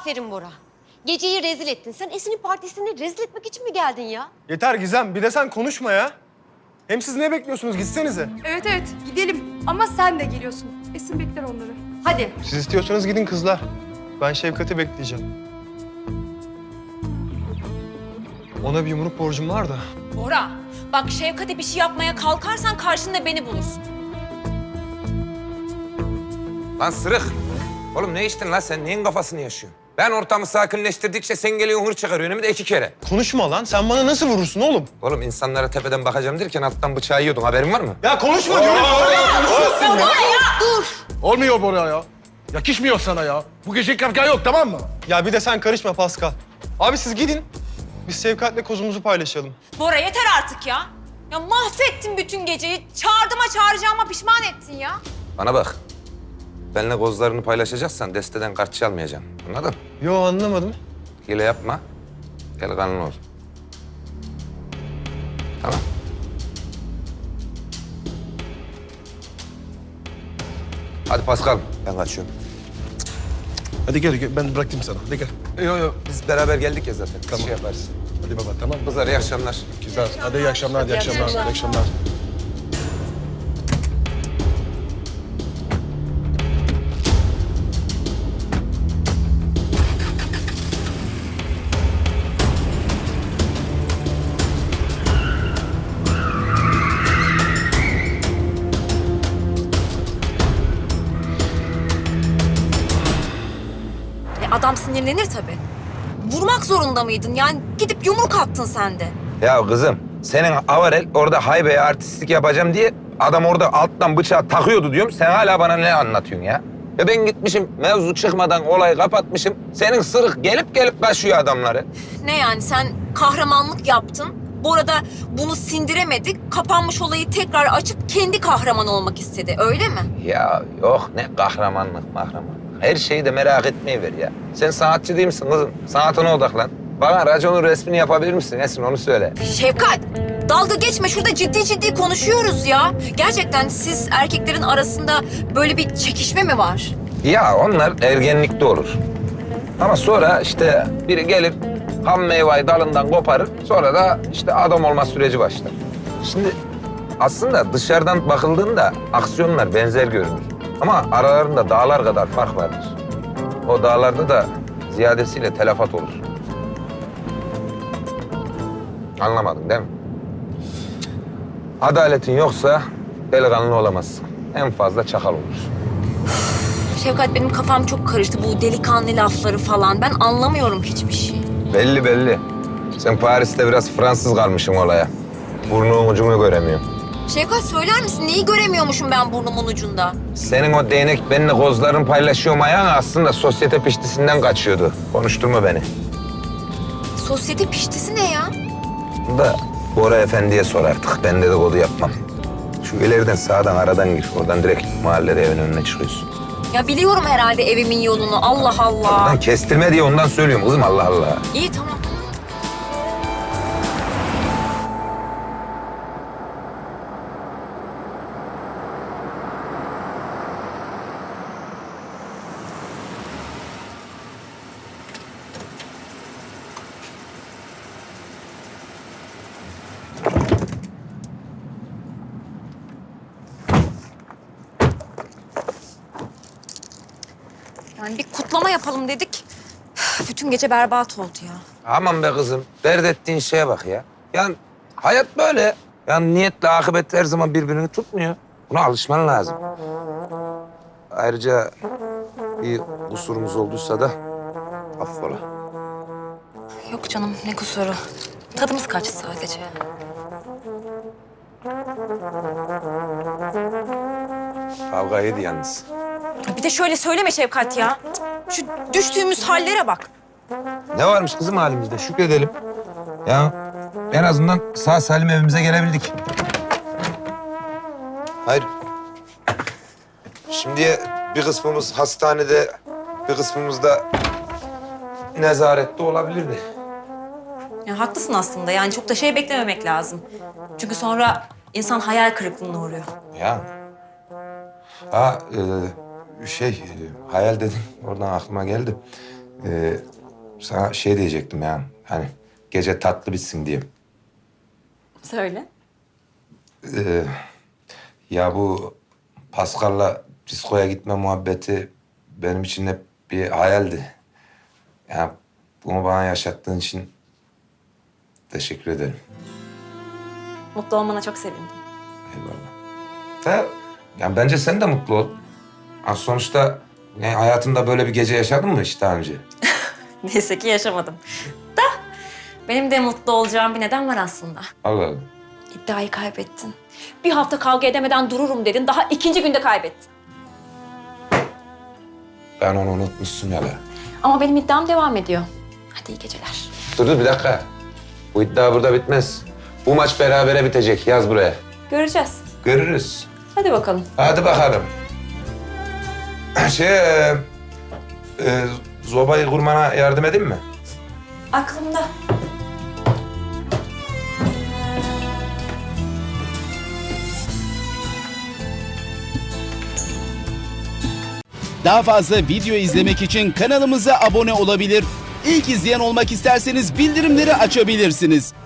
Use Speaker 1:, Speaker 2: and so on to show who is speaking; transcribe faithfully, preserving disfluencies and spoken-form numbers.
Speaker 1: Aferin Bora. Geceyi rezil ettin. Sen Esin'in partisini rezil etmek için mi geldin ya?
Speaker 2: Yeter Gizem, bir de sen konuşma ya. Hem siz ne bekliyorsunuz? Gitsenize.
Speaker 3: Evet evet gidelim ama sen de geliyorsun. Esin bekler onları.
Speaker 1: Hadi.
Speaker 2: Siz istiyorsanız gidin kızlar. Ben Şevkat'i bekleyeceğim. Ona bir yumruk borcum var da.
Speaker 4: Bora, bak Şevkat'e bir şey yapmaya kalkarsan karşında beni bulursun.
Speaker 5: Lan sırık. Oğlum ne içtin lan sen? Neyin kafasını yaşıyorsun? Ben ortamı sakinleştirdikçe sen geliyorsun hır çıkarıyorsun hem de iki kere.
Speaker 2: Konuşma lan. Sen bana nasıl vurursun oğlum?
Speaker 5: Oğlum insanlara tepeden bakacağım derken alttan bıçağı yiyordun. Haberin var mı?
Speaker 2: Ya konuşma diyorum.
Speaker 1: Dur.
Speaker 6: Olmuyor Bora ya. Yakışmıyor sana ya. Bu gece kavga yok, tamam mı?
Speaker 2: Ya bir de sen karışma Pascal. Abi siz gidin. Biz Şevkat'le kozumuzu paylaşalım.
Speaker 4: Bora yeter artık ya. Ya mahvettin bütün geceyi. Çağırdığıma çağıracağıma pişman ettin ya.
Speaker 5: Bana bak. Benimle kozlarını paylaşacaksan desteden kart çalmayacağım. Anladın?
Speaker 2: Yo anlamadım.
Speaker 5: Hile yapma. Delikanlı ol. Tamam. Hadi Pascal. Ben kaçıyorum.
Speaker 6: Hadi gel, gel. Ben bıraktım sana. Hadi gel.
Speaker 5: Yok yok. Biz beraber geldik ya zaten.
Speaker 6: Tamam.
Speaker 5: Şey yaparız.
Speaker 6: Hadi baba, tamam mı?
Speaker 5: Kızlar iyi akşamlar.
Speaker 6: Güzel. Hadi iyi akşamlar, iyi akşamlar, iyi akşamlar.
Speaker 4: E adam sinirlenir tabii. Vurmak zorunda mıydın? Yani gidip yumruk attın sen de.
Speaker 5: Ya kızım, senin avarel orada haybeye artistlik yapacağım diye adam orada alttan bıçağı takıyordu diyorum. Sen hala bana ne anlatıyorsun ya? Ya ben gitmişim, mevzu çıkmadan olayı kapatmışım. Senin sırık gelip gelip kaçıyor adamları.
Speaker 4: Ne yani sen kahramanlık yaptın. Bu arada bunu sindiremedik. Kapanmış olayı tekrar açıp kendi kahraman olmak istedi. Öyle mi?
Speaker 5: Ya yok ne kahramanlık mahramanlık. Her şeyi de merak etmeyi ver ya. Sen sanatçı değil misin kızım? Sanatına odaklan. Bana raconun resmini yapabilir misin Esin, onu söyle.
Speaker 4: Şevkat, dalga geçme. Şurada ciddi ciddi konuşuyoruz ya. Gerçekten siz erkeklerin arasında böyle bir çekişme mi var?
Speaker 5: Ya onlar ergenlikte olur. Ama sonra işte biri gelir ham meyveyi dalından koparır. Sonra da işte adam olma süreci başlar. Şimdi aslında dışarıdan bakıldığında aksiyonlar benzer görünür. Ama aralarında dağlar kadar fark vardır. O dağlarda da ziyadesiyle telafat olur. Anlamadın değil mi? Adaletin yoksa delikanlı olamazsın. En fazla çakal olursun.
Speaker 4: Şevkat benim kafam çok karıştı. Bu delikanlı lafları falan. Ben anlamıyorum hiçbir şey.
Speaker 5: Belli belli. Sen Paris'te biraz Fransız kalmışsın olaya. Burnunun ucunu göremiyorum.
Speaker 4: Şevkat söyler misin? Neyi göremiyormuşum ben burnumun ucunda?
Speaker 5: Senin o değnek benimle kozlarını paylaşıyorum ayağın aslında sosyete piştisinden kaçıyordu. Konuşturma beni.
Speaker 4: Sosyete piştisi ne ya?
Speaker 5: Bunu da Bora Efendi'ye sor artık. Ben dedikodu yapmam. Şu ileriden sağdan aradan gir. Oradan direkt mahallede evin önüne çıkıyorsun.
Speaker 4: Ya biliyorum herhalde evimin yolunu. Allah Allah.
Speaker 5: Lan kestirme diye ondan söylüyorum kızım, Allah Allah.
Speaker 4: İyi tamam. Yani bir kutlama yapalım dedik. Bütün gece berbat oldu ya.
Speaker 5: Aman be kızım. Dert ettiğin şeye bak ya. Yani hayat böyle. Yani niyetle akıbet her zaman birbirini tutmuyor. Buna alışman lazım. Ayrıca bir kusurumuz olduysa da affola.
Speaker 4: Yok canım ne kusuru. Tadımız kaçtı sadece.
Speaker 5: Kavga yedi yalnız.
Speaker 4: Bir de şöyle söyleme Şevkat ya. Şu düştüğümüz hallere bak.
Speaker 5: Ne varmış kızım halimizde? Şükredelim. Ya en azından sağ salim evimize gelebildik. Hayır. Şimdi bir kısmımız hastanede, bir kısmımız da nezarette olabilirdi.
Speaker 4: Ya haklısın aslında. Yani çok da şey beklememek lazım. Çünkü sonra insan hayal kırıklığına uğruyor.
Speaker 5: Ya. Ha, e, şey, e, hayal dedim. Oradan aklıma geldi. Ee, sana şey diyecektim ya. Hani gece tatlı bitsin diye.
Speaker 4: Söyle.
Speaker 5: Ee, ya bu Pascal'la diskoya gitme muhabbeti benim için hep bir hayaldi. Ya bunu bana yaşattığın için teşekkür ederim.
Speaker 4: Mutlu olmana çok sevindim.
Speaker 5: Eyvallah. Da, yani bence sen de mutlu ol. Ha, sonuçta yani hayatında böyle bir gece yaşadın mı hiç daha önce?
Speaker 4: Neyse ki yaşamadım. Da benim de mutlu olacağım bir neden var aslında.
Speaker 5: Allah Allah.
Speaker 4: İddiayı kaybettin. Bir hafta kavga edemeden dururum dedin. Daha ikinci günde kaybettin.
Speaker 5: Ben onu unutmuşsun ya la.
Speaker 4: Ama benim iddiam devam ediyor. Hadi iyi geceler.
Speaker 5: Dur dur bir dakika. Bu iddia burada bitmez. Bu maç berabere bitecek. Yaz buraya.
Speaker 4: Göreceğiz.
Speaker 5: Görürüz.
Speaker 4: Hadi bakalım.
Speaker 5: Hadi bakalım. Şey, e, e, zobayı kurmana yardım edeyim mi?
Speaker 4: Aklımda.
Speaker 7: Daha fazla video izlemek için kanalımıza abone olabilir. İlk izleyen olmak isterseniz bildirimleri açabilirsiniz.